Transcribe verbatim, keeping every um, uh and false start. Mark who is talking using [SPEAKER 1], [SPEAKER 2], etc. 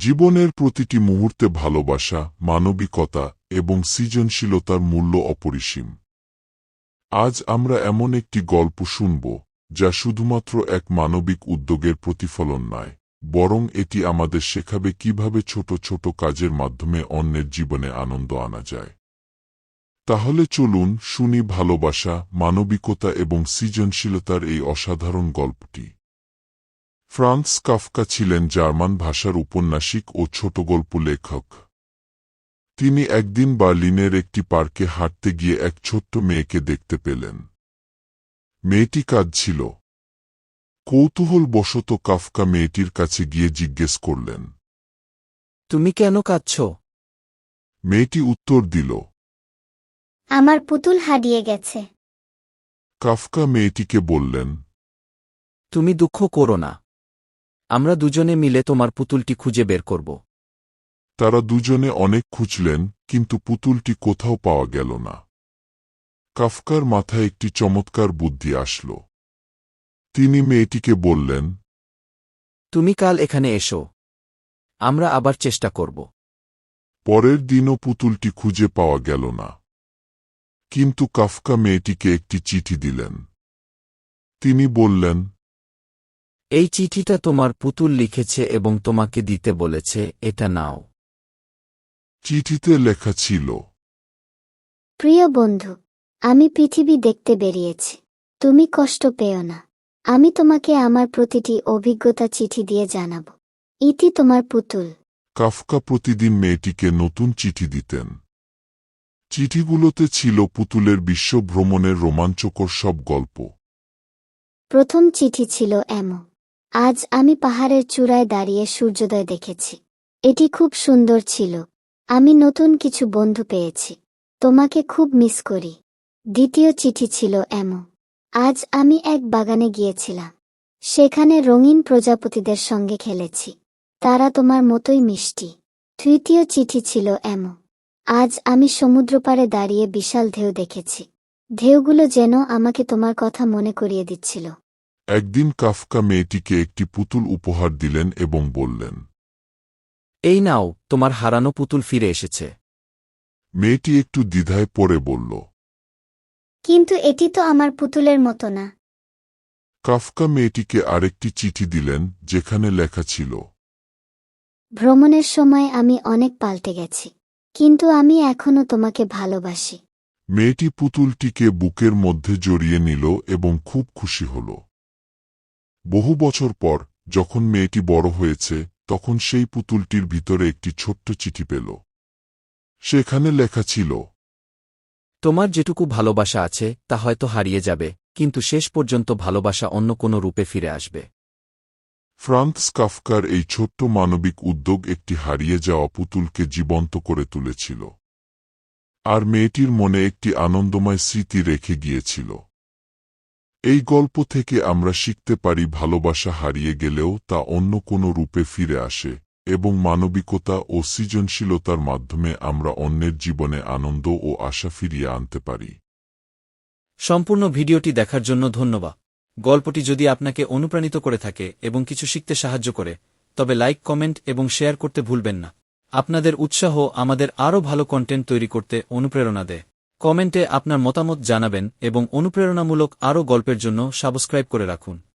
[SPEAKER 1] জীবনের প্রতিটি মুহূর্তে ভালোবাসা, মানবিকতা এবং সৃজনশীলতার মূল্য অপরিসীম। আজ আমরা এমন একটি গল্প শুনব যা শুধুমাত্র এক মানবিক উদ্যোগের প্রতিফলন নয়, বরং এটি আমাদের শেখাবে কিভাবে ছোট ছোট কাজের মাধ্যমে অন্যের জীবনে আনন্দ আনা যায়। তাহলে চলুন শুনি ভালোবাসা, মানবিকতা এবং সৃজনশীলতার এই অসাধারণ গল্পটি। ফ্রান্স কাফকা ছিলেন জার্মান ভাষার উপন্যাসিক ও ছোটগল্প লেখক। তিনি একদিন বার্লিনের একটি পার্কে হাঁটতে গিয়ে এক ছোট্ট মেয়েকে দেখতে পেলেন। মেয়েটি কাঁদছিল। কৌতূহলবশত কাফকা মেয়েটির কাছে গিয়ে জিজ্ঞেস করলেন,
[SPEAKER 2] তুমি কেন কাঁদছ?
[SPEAKER 1] মেয়েটি উত্তর দিল,
[SPEAKER 3] আমার পুতুল হারিয়ে গেছে।
[SPEAKER 1] কাফকা মেয়েটিকে বললেন,
[SPEAKER 2] তুমি দুঃখ করো না, আমরা দুজনে মিলে তোমার পুতুলটি খুঁজে বের করব।
[SPEAKER 1] তারা দুজনে অনেক খুঁজলেন, কিন্তু পুতুলটি কোথাও পাওয়া গেল না। কাফকার মাথায় একটি চমৎকার বুদ্ধি আসল। তিনি মেয়েটিকে বললেন,
[SPEAKER 2] তুমি কাল এখানে এসো, আমরা আবার চেষ্টা করব।
[SPEAKER 1] পরের দিনও পুতুলটি খুঁজে পাওয়া গেল না। কিন্তু কাফকা মেয়েটিকে একটি চিঠি দিলেন। তিনি বললেন,
[SPEAKER 2] এই চিঠিটা তোমার পুতুল লিখেছে এবং তোমাকে দিতে বলেছে, এটা নাও।
[SPEAKER 1] চিঠিতে লেখা ছিল,
[SPEAKER 3] প্রিয় বন্ধু, আমি পৃথিবী দেখতে বেরিয়েছি। তুমি কষ্ট পেও না। আমি তোমাকে আমার প্রতিটি অভিজ্ঞতা চিঠি দিয়ে জানাব। ইতি তোমার পুতুল।
[SPEAKER 1] কাফকা প্রতিদিন মেয়েটিকে নতুন চিঠি দিতেন। চিঠিগুলোতে ছিল পুতুলের বিশ্ব ভ্রমণের রোমাঞ্চকর সব গল্প।
[SPEAKER 3] প্রথম চিঠি ছিল এমন, আজ আমি পাহাড়ের চূড়ায় দাঁড়িয়ে সূর্যোদয় দেখেছি। এটি খুব সুন্দর ছিল। আমি নতুন কিছু বন্ধু পেয়েছি। তোমাকে খুব মিস করি। দ্বিতীয় চিঠি ছিল এমন, আজ আমি এক বাগানে গিয়েছিলাম। সেখানে রঙিন প্রজাপতিদের সঙ্গে খেলেছি। তারা তোমার মতোই মিষ্টি। তৃতীয় চিঠি ছিল এমন, আজ আমি সমুদ্রপাড়ে দাঁড়িয়ে বিশাল ঢেউ দেখেছি। ঢেউগুলো যেন আমাকে তোমার কথা মনে করিয়ে দিচ্ছিল।
[SPEAKER 1] একদিন কাফকা মেয়েটিকে একটি পুতুল উপহার দিলেন এবং বললেন,
[SPEAKER 2] এই নাও, তোমার হারানো পুতুল ফিরে এসেছে।
[SPEAKER 1] মেয়েটি একটু দ্বিধায় পড়ে বলল,
[SPEAKER 3] কিন্তু এটি তো আমার পুতুলের মতো না।
[SPEAKER 1] কাফকা মেয়েটিকে আরেকটি চিঠি দিলেন, যেখানে লেখা ছিল,
[SPEAKER 3] ভ্রমণের সময় আমি অনেক পাল্টে গেছি, কিন্তু আমি এখনো তোমাকে ভালোবাসি।
[SPEAKER 1] মেয়েটি পুতুলটিকে বুকের মধ্যে জড়িয়ে নিল এবং খুব খুশি হল। বহু বছর পর যখন মেয়েটি বড় হয়েছে, তখন সেই পুতুলটির ভিতরে একটি ছোট্ট চিঠি পেল। সেখানে লেখা ছিল,
[SPEAKER 2] তোমার যেটুকু ভালোবাসা আছে তা হয়তো হারিয়ে যাবে, কিন্তু শেষ পর্যন্ত ভালোবাসা অন্য কোনো রূপে ফিরে আসবে।
[SPEAKER 1] ফ্রান্স কাফকার এই ছোট্ট মানবিক উদ্যোগ একটি হারিয়ে যাওয়া পুতুলকে জীবন্ত করে তুলেছিল, আর মেয়েটির মনে একটি আনন্দময় স্মৃতি রেখে গিয়েছিল। এই গল্প থেকে আমরা শিখতে পারি, ভালোবাসা হারিয়ে গেলেও তা অন্য কোনো রূপে ফিরে আসে, এবং মানবিকতা ও সৃজনশীলতার মাধ্যমে আমরা অন্যের জীবনে আনন্দ ও আশা ফিরিয়ে আনতে পারি।
[SPEAKER 2] সম্পূর্ণ ভিডিওটি দেখার জন্য ধন্যবাদ। গল্পটি যদি আপনাকে অনুপ্রাণিত করে থাকে এবং কিছু শিখতে সাহায্য করে, তবে লাইক, কমেন্ট এবং শেয়ার করতে ভুলবেন না। আপনাদের উৎসাহ আমাদের আরও ভালো কন্টেন্ট তৈরি করতে অনুপ্রেরণা দেয়। কমেন্টে আপনার মতামত জানাবেন এবং অনুপ্রেরণামূলক আরও গল্পের জন্য সাবস্ক্রাইব করে রাখুন।